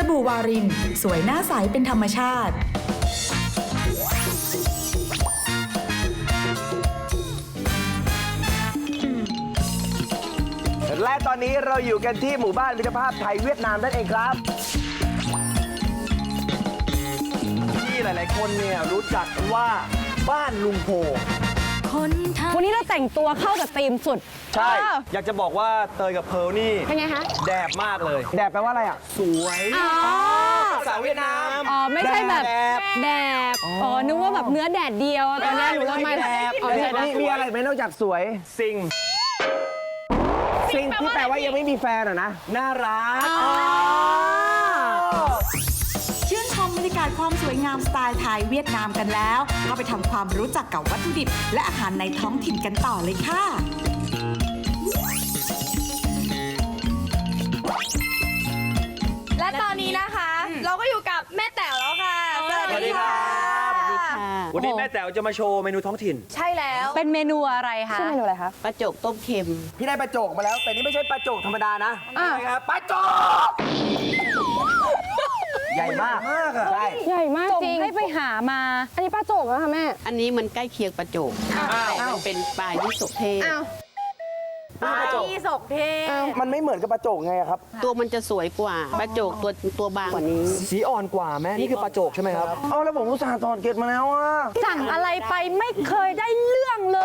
บู่วารินสวยหน้าใสเป็นธรรมชาติและตอนนี้เราอยู่กันที่หมู่บ้านมิตรภาพไทยเวียดนามนั่นเองครับที่หลายๆคนเนี่ยรู้จักว่าบ้านลุงโพวันนี้เราแต่งตัวเข้ากับธีมสุดใช่ อยากจะบอกว่าเตยกับเพิร์ลนี่เป็นไงคะแดบมากเลยแดบแปลว่าอะไรอ่ะสวยภาษาเวียดนามอ๋อไม่ใช่แบบแดบอ๋อนึกว่าแบบเนื้อแดดเดียวตอนแรกหนูว่าไม่แดบอ๋อใช่นะมีอะไรไหมนอกจากสวยซิงที่แปลว่ายังไม่มีแฟนอ่ะนะน่ารักชื่นชมบรรยากาศความสวยงามสไตล์ไทยเวียดนามกันแล้วก็ไปทำความรู้จักกับวัตถุดิบและอาหารในท้องถิ่นกันต่อเลยค่ะและตอนนี้นะคะ เราก็อยู่กับแม่แต๋วแล้วค่ะสวัสดีครับวันนี้แม่แต๋วจะมาโชว์เมนูท้องถิ่นใช่แล้วเป็นเมนูอะไรคะชื่อเมนูอะไรคะปลาโจกต้มเค็มพี่ได้ปลาโจกมาแล้ว แต่นี่ไม่ใช่ปลาโจกธรรมดานะใช่ครับปลาโจกใหญ่มากใช่ใหญ่มากจริงให้ไปหามาอันนี้ปลาโจกนะคะแม่อันนี้มันใกล้เคียงปลาโจกแต่มันเป็นปลายี่สกเทศปลาที่ศกเทศมันไม่เหมือนกับปลาโจกไงอะครับตัวมันจะสวยกว่าปลาโจกตัวบางกว่านี้สีอ่อนกว่าแม่นี่คือปลาโจกใช่ไหมครับเอาแล้วผมอุตส่าห์ถอดเกล็ดมาแล้วอ่ะสั่งอะไรไปไม่เคยได้เรื่องเลย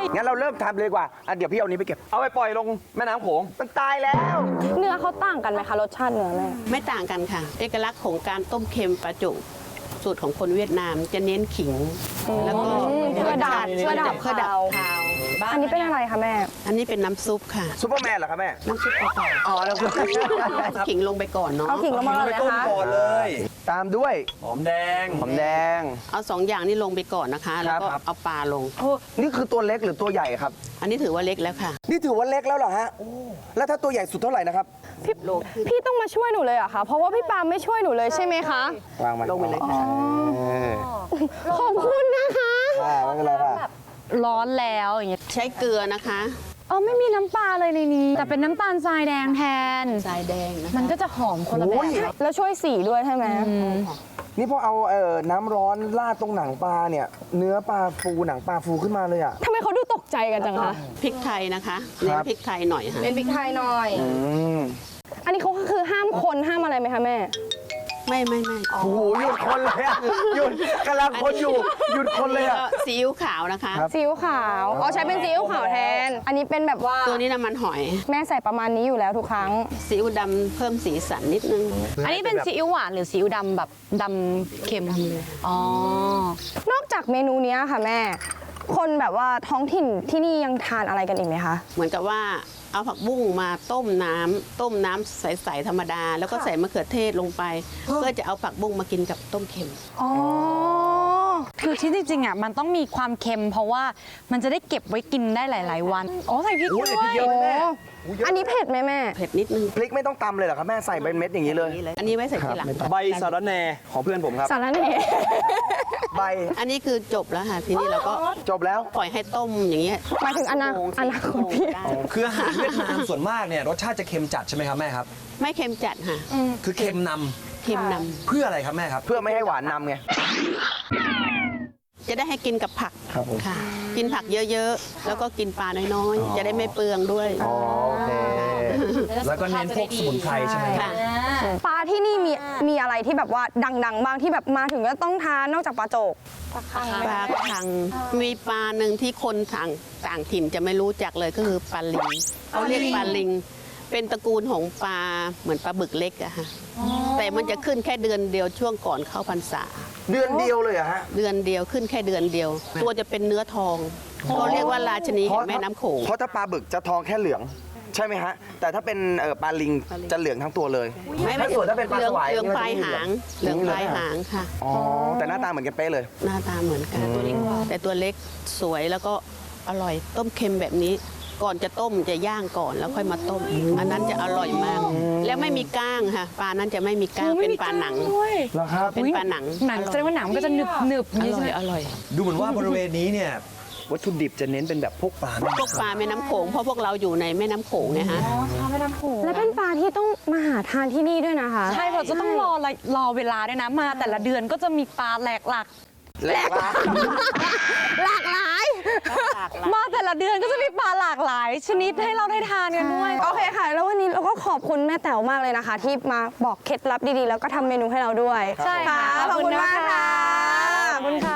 งั้นเราเริ่มทำเลยดีกว่าเดี๋ยวพี่เอานี้ไปเก็บเอาไปปล่อยลงแม่น้ำโขงมันตายแล้วเนื้อเขาต่างกันไหมคะรสชาติเนื้อแม่ไม่ต่างกันค่ะ เอกลักษณ์ของการต้มเค็มปลาโจกสูตรของคนเวียดนามจะเน้นขิง แล้วก็เพื่อดับเพื่อดับคาวคาวอันนี้เป็นอะไรคะแม่อันนี้เป็นน้ำซุปค่ะซูเปอร์แมนเหรอครับแม่น้ำซุปเปล่าอ๋อแล้วคือๆขิงลงไปก่อนเนาะเอาขิงลงมาเลยนะคะก่อนเลยตามด้วยหอมแดงเอา2อย่างนี้ลงไปก่อนนะคะ แล้วก็ครับเอาปลาลงนี่คือตัวเล็กหรือตัวใหญ่ครับอันนี้ถือว่าเล็กแล้วค่ะนี่ถือว่าเล็กแล้วเหรอฮะแล้วถ้าตัวใหญ่สุดเท่าไหร่นะครับพี่ต้องมาช่วยหนูเลยเหรอะคะเพราะว่าพี่ปาไม่ช่วยหนูเลยใช่ไหมคะวางมาลงไปเลยค่ะขอบคุณนะคะไม่เป็นไรค่ะร้อนแล้วอย่างเงี้ยใช้เกลือนะคะไม่มีน้ำปลาเลยในนี้ แต่เป็นน้ำตาลทรายแดงแทนทรายแดงนะคะมันก็จะหอมคนละแบบแล้วช่วยสีด้วยใช่ไหมนี่พอเอาน้ำร้อนราดตรงหนังปลาเนี่ย เนื้อปลาฟูหนังปลาฟูขึ้นมาเลยอ่ะทำไมเขาดูตกใจกันจังคะพริกไทยนะคะเน้นพริกไทยหน่อยค่ะเป็นพริกไทยหน่อยมอันนี้เขาคือห้ามคนห้ามอะไรไหมคะแม่ไม่โอ้โหหยุดคนเลยอะหยุดกำลังคนอยู่หยุดคนเลยอ่ะก็ซีอิ๊วขาวนะคะครับซีอิ๊วขาวอ๋อใช้เป็นซีอิ๊วขาวแทน อันนี้เป็นแบบว่าตัวนี้น้ำมันหอยแม่ใส่ประมาณนี้อยู่แล้วทุกครั้งซีอิ๊วดำเพิ่มสีสันนิดนึงอันนี้เป็นซีอิ๊วหวานหรือซีอิ๊วดำแบบดำเค็มอ๋อนอกจากเมนูเนี้ยค่ะแม่ คนแบบว่าท้องถิ่นที่นี่ยังทานอะไรกันอีกไหมคะเหมือนกับว่าเอาผักบุ้งมาต้มน้ำใสๆธรรมดา แล้วก็ใส่มะเขือเทศลงไป เพื่อจะเอาผักบุ้งมากินกับต้มเค็มอ๋อคือที่จริงๆอ่ะมันต้องมีความเค็ม เพราะว่ามันจะได้เก็บไว้กินได้หลายๆวันอ๋อใส่พริกโอ้ยด้แต่วพริกยเยอะไหมแม่อันนี้เผ็ดไหมแม่เผ็ดนิดนึงพริกไม่ต้องตำเลยเหรอครับแม่ใส่เป็นเม็ดอย่างนี้เลยอันนี้ไว้ใส่ทีหลังใบสะระแหน่ของเพื่อนผมครับสารเน่ใบอันนี้คือจบแล้วค่ะ ทีนี้เราก็จบแล้วปล่อยให้ต้มอย่างเงี้ยหมายถึงอนาคตพี่ได้คืออาหารเวียดนามส่วนมากเนี่ยรสชาติจะเค็มจัดใช่ไหมครับแม่ครับไม่เค็มจัดค่ะคือเค็มนเค็มนำเพื่ออะไรครับแม่ครับเพื่อไม่ให้หวานนำไงำจะได้ให้กินกับผักครับผมค่ะ กินผักเยอะๆ แล้วก็กินปลาน้อยๆ จะได้ไม่เปลืองด้วยโอเคแล้วก็เน้นพวกสมุนไพรใช่ไหมครับค่ะปลาที่นี่มีอะไรที่แบบว่าดังๆบ้างที่แบบมาถึงก็ต้องทานนอกจากปลาโจกปลาคังมีปลาหนึ่งที่คนต่างถิ่นจะไม่รู้จักเลยก็คือปลาลิงเขาเรียกปลาลิง เป็นตระกูลของปลาเหมือนปลาบึกเล็กอะค่ะแต่มันจะขึ้นแค่เดือนเดียวช่วงก่อนเข้าพรรษาเดือนเดียวเลยเหรอะฮะเดือนเดียวขึ้นแค่เดือนเดียว ตัวจะเป็นเนื้อทองเขาเรียกว่าราชนีแห่งแม่น้ำโขงเพราะถ้าปลาบึกจะทองแค่เหลือง ใช่ไหมฮะ แต่ถ้าเป็นปลาลิงจะเหลืองทั้งตัวเลยถ้าส่วนถ้าเป็นปลาสวายเหลืองนี่มันปลายจะไม่หางเหลืองปลายหางค่ะอ๋อแต่หน้าตาเหมือนกันเป๊ะเลยหน้าตาเหมือนกันตัวเล็กแต่ตัวเล็กสวยแล้วก็อร่อยต้มเค็มแบบนี้ ก่อนจะต้มจะย่างก่อนแล้วค่อยมาต้ม อันนั้นจะอร่อยมาก แล้วไม่มีก้างค่ะปลานั้นจะไม่มีก้างเป็นปลาหนังเหรอครับเป็นปลาหนังหนังแสดงว่าหนังมันก็จะหนึบๆอนี่ร่ใช่อไหมยอร่อยดูเหมือนว่าบริเวณนี้เนี่ยวัตถุดิบจะเน้นเป็นแบบพวกปลาพวกปลาแม่น้ำโขงเพราะพวกเราอยู่ในแม่น้ำโขงไงฮะและเป็นปลาที่ต้องมาหาทานที่นี่ด้วยนะคะใช่เพราะจะต้องรอเวลาด้วยนะมาแต่ละเดือนก็จะมีปลาหลากหลายแหลกละหลากหลายมาแต่ละเดือนก็จะมีปลาหลากหลาย ชนิดให้เราได้ทานกันด้วยโอเคค่ะ แล้ววันนี้เราก็ขอบคุณแม่แต๋วมากเลยนะคะ ที่มาบอกเคล็ดลับดีๆ แล้วก็ทำเมนูให้เราด้วยใช่ค่ะขอบคุณมากค่ะขอบคุณค่ะ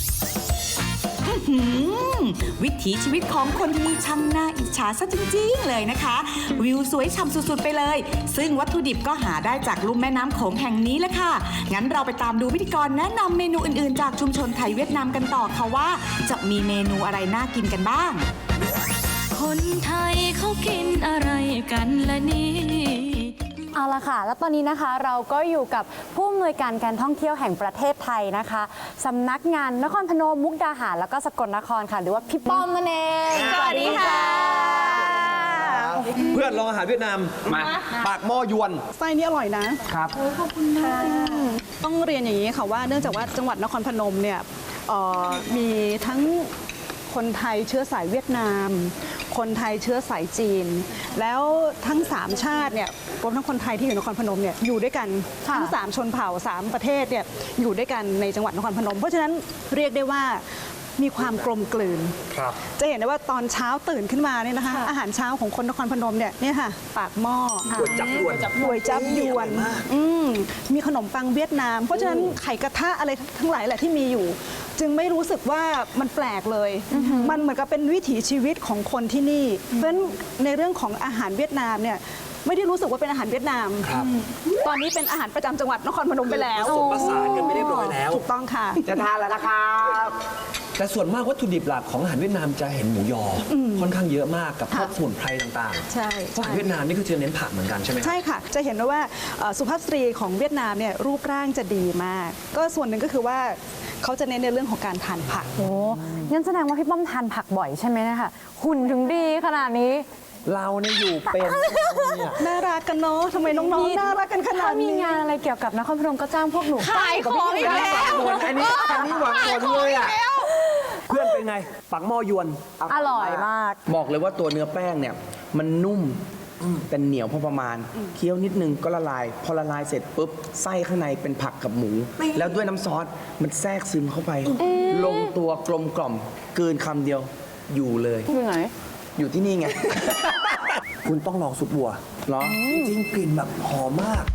วิถีชีวิตของคนที่นี่ช่างน่าอิจฉาซะจริงๆเลยนะคะ วิวสวยฉ่ำสุดๆไปเลย ซึ่งวัตถุดิบก็หาได้จากลุ่มแม่น้ำโขงแห่งนี้แหละค่ะ งั้นเราไปตามดูพิธีกรแนะนำเมนูอื่นๆ จากชุมชนไทยเวียดนามกันต่อค่ะว่า จะมีเมนูอะไรน่ากินกันบ้างคนไทยเขากินอะไรกันละนี่เอาละค่ะ แล้วตอนนี้นะคะเราก็อยู่กับผู้อำนวยการการท่องเที่ยวแห่งประเทศไทยนะคะสำนักงานนครพนมมุกดาหารแล้วก็สกลนครค่ะหรือว่าพี่ป้อมนั่นเองสวัสดีค่ะเพื่อนลองอาหารเวียดนามมาปากหม้อยวนไส้นี่อร่อยนะครับต้องเรียนอย่างนี้ค่ะว่าเนื่องจากว่าจังหวัดนครพนมเนี่ยมีทั้งคนไทยเชื้อสายเวียดนาม คนไทยเชื้อสายจีน แล้วทั้ง 3 ชาติเนี่ยรวมทั้งคนไทยที่อยู่นครพนมเนี่ยอยู่ด้วยกันทั้ง 3 ชนเผ่า 3 ประเทศเนี่ยอยู่ด้วยกันในจังหวัดนครพนม เพราะฉะนั้นเรียกได้ว่ามีความกลมกลืน จะเห็นได้ว่าตอนเช้าตื่นขึ้นมาเนี่ยนะคะอาหารเช้าของคนนครพนมเนี่ยค่ะปากหม้อก๋วยจับยวนก๋วยจับยวนมีขนมปังเวียดนาม เพราะฉะนั้นไข่กระทะอะไรทั้งหลายแหละที่มีอยู่ จึงไม่รู้สึกว่ามันแปลกเลย มันเหมือนกับเป็นวิถีชีวิตของคนที่นี่ เพราะฉะนั้นในเรื่องของอาหารเวียดนามเนี่ยไม่ได้รู้สึกว่าเป็นอาหารเวียดนาม ตอนนี้เป็นอาหารประจำจังหวัดนครพนมไปแล้วผสมผสานกันไม่เรียบร้อยแล้วถูกต้องค่ะจะทานแล้วนะครับแต่ส่วนมากวัตถุดิบหลักของอาหารเวียดนามจะเห็นหมูยออค่อนข้างเยอะมากกับพวกสมุนไพรต่างๆใช่เพราะอาหารเวียดนามนี่คือจะเน้นผักเหมือนกันใช่ไหมใช่ค่ะ จะเห็นว่าสุภาพสตรีของเวียดนามเนี่ยรูปร่างจะดีมาก ก็ส่วนหนึ่งก็คือว่าเขาจะเน้นในเรื่องของการทานผักโอ้งั้นแสดงว่าพี่ป้อมทานผักบ่อยใช่ไหมนะคะหุ่นถึงดีขนาดนี้เราเนี่ยอยู่เป็นน่ารักกันเนาะทำไมน้องๆ น่ารักกันขนาถ้าดมีนี้งานอะไรเกี่ยวกับนครพนมก็จ้างพวกหนูขายของอีกแล้วอันนี้หวังผลเลยอ่ะเพื่อนเป็นไงปักหม้อยวนอร่อยมากบอกเลยว่าตัวเนื้อแป้งเนี่ยมันนุ่มแต่เหนียวพอประมาณเคี้ยวนิดนึงก็ละลาย พอละลายเสร็จปุ๊บไส้ข้างในเป็นผักกับหมู แล้วด้วยน้ำซอสมันแทรกซึมเข้าไป ลงตัวกลมกล่อมเกินคำเดียวอยู่เลยอยู่ไหนอยู่ที่นี่ไงคุณต้องลองซุปบัวเหรอจริงๆกลิ่นแบบหอมมาก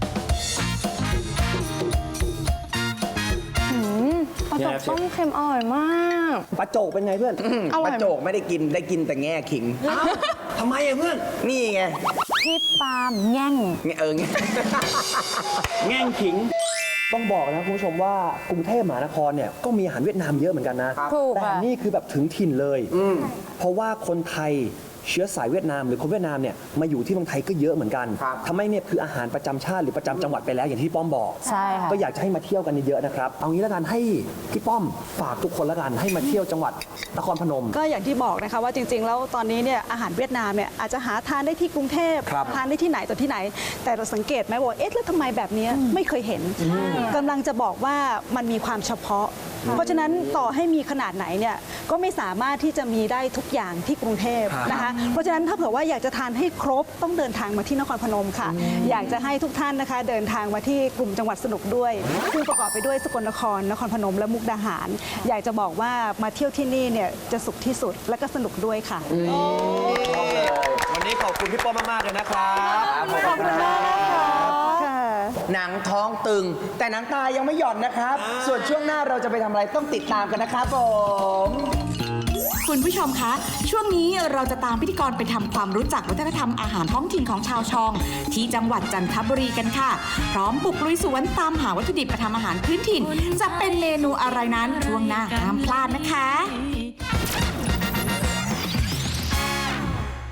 ปลาจกต้มเค็มอร่อยมากปลาโจกเป็นไงเพื่อนปลาโจกไม่ได้กินได้กินแต่แง่ขิงทำไมอะเพื่อนนี่ไงพี่ปาล์มแง่งไงไงแง่งขิง ต้องบอกนะคุณผู้ชมว่ากรุงเทพมหานครเนี่ยก็มีอาหารเวียดนามเยอะเหมือนกันนะถูกแต่ค่ะนี่คือแบบถึงถิ่นเลย เพราะว่าคนไทยเชื้อสายเวียดนามหรือคนเวียดนามเนี่ยมาอยู่ที่เมืองไทยก็เยอะเหมือนกันทำให้เนี่ยคืออาหารประจำชาติหรือประจำจังหวัดไปแล้วอย่างที่ป้อมบอกใช่ค่ะก็อยากจะให้มาเที่ยวกันเยอะๆนะครับ เอางี้แล้วกันให้พี่ป้อมฝากทุกคนแล้วกันให้มาเที่ยวจังหวัดนครพนมก็อย่างที่บอกนะคะว่าจริง ๆ แล้วตอนนี้เนี่ยอาหารเวียดนามเนี่ยอาจจะหาทานได้ที่กรุงเทพครับทานได้ที่ไหนต่อที่ไหน แต่เราสังเกตไหมว่าเอ๊ะแล้วทำไมแบบนี้ไม่เคยเห็นกำลังจะบอกว่ามันมีความเฉพาะ เพราะฉะนั้นต่อให้มีขนาดไหนเนี่ยก็ไม่สามารถที่จะมีได้ทุกอย่างที่กรุงเทพนะคะเพราะฉะนั้นถ้าเผื่อว่าอยากจะทานให้ครบต้องเดินทางมาที่นครพนมค่ะ อยากจะให้ทุกท่านนะคะเดินทางมาที่กลุ่มจังหวัดสนุกด้วยซึ่งประกอบไปด้วยสกลนครนครพนมและมุกดาหาร อยากจะบอกว่ามาเที่ยวที่นี่เนี่ยจะสุขที่สุดและก็สนุกด้วยค่ะวันนี้ขอบคุณพี่ป้อมมากๆเลยนะครับขอบคุณมากค่ะหนังท้องตึง แต่หนังตายังไม่หย่อนนะครับ ส่วนช่วงหน้าเราจะไปทำอะไรต้องติดตามกันนะครับผมคุณผู้ชมคะ ช่วงนี้เราจะตามพิธีกรไปทำความรู้จักวัฒนธรรมอาหารท้องถิ่นของชาวชอง ที่จังหวัดจันทบุรีกันค่ะ พร้อมบุกลุยสวนตามหาวัตถุดิบมาทำอาหารพื้นถิ่น จะเป็นเมนูอะไรนั้นช่วงหน้าห้ามพลาดนะคะ